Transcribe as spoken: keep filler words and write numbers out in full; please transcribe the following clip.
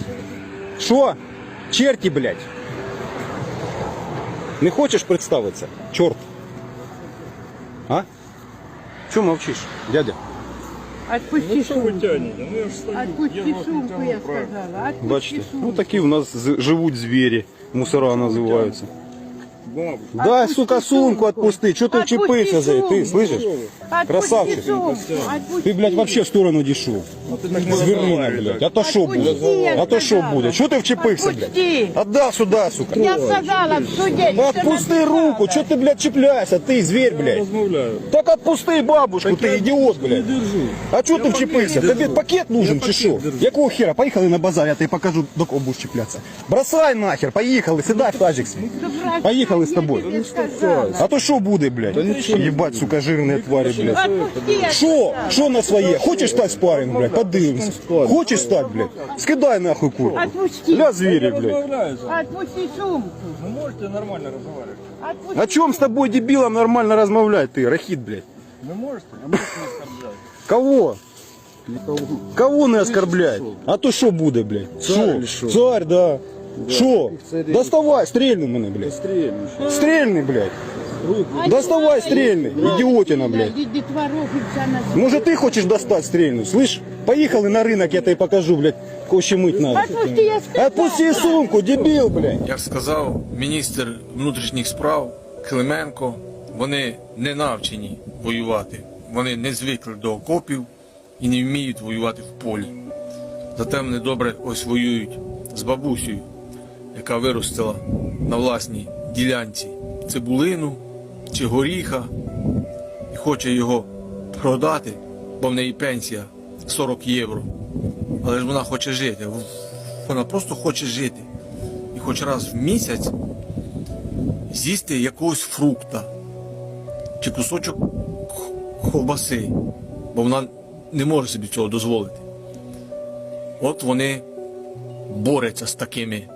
Що? Черти, блядь. Не хочеш представитися? Чорт. А? Чому мовчиш, дядя? Отпусти Ну что вы сумку. тянете? Ну я же стою. Отпусти я вас не сумку, тяну, я правильно. сказала. Отпусти Бачите? сумку. Ну такі у нас з- живуть звірі. Мусора називаються. Бабушка. Дай, Отпусти сука, сумку сумку. отпусти. Чого ти Отпусти вчепився за неї? Ти, сумку. слышиш? Отпусти Красавчик. сумку. Отпусти. Ти, блядь, вообще в сторону дійшов. А ты так не Звірина, разговаривай, блядь. так. А то що буде? Отпусти, я А то що сказала. буде? Чого ти вчепився, блядь? Отпусти. Отдай сюди, сука. Я сказала в суде. что Отпусти написала. руку, чого ти, блядь, чіпляєшся? Ти, звір, блядь. Размовляю. Так отпусти бабушку, ти ідіот, Не блядь. держу. А чого ти вчепився? Тобі пакет нужен чи що? Якого хера? Поїхали на базар, я тобі покажу, до кого будеш чіплятися. Бросай нахер, поїхали, сідай в тачик свій. Поїхали з тобою. Я тебе сказала. А то що буде, блядь? Єбать, сука, жирні тварі, блядь. Отпусти, я Що? сказала. Що на своє? Хочеш стати спарринг, блядь? Подивимось. Хочеш стати, блядь? Скидай нахуй курку. Отпусти. Ля звірі, блядь. Разговариваю. Отпусти сумку. Вы можете нормально разговаривать? Отпусти. О чем с тобой, дебилом, нормально размовлять, ты, рахит, блядь? Вы можете? А можете не оскорблять? Кого? Кого не оскорблять? А то що буде, блядь? Що? Царь, да. Що? Доставай, стрельни мене, блядь. Стрельни, блядь. Доставай, стрельни, идиотина, блядь. Може ти хочеш достати стрельну, слышь? Поїхали на ринок, я тобі покажу, блядь, кого ще мить надо. Отпусти, я сказала. Отпусти сумку, дебіл, блядь. Як сказав міністр внутрішніх справ Клименко, вони не навчені воювати. Вони не звикли до окопів і не вміють воювати в полі. Зате вони добре ось воюють з бабусею, яка виростила на власній ділянці цибулину чи горіха і хоче його продати, бо в неї пенсія сорок євро. Але ж вона хоче жити. Вона просто хоче жити. І хоч раз в місяць з'їсти якогось фрукта чи кусочок х- ковбаси, бо вона не може собі цього дозволити. От вони борються з такими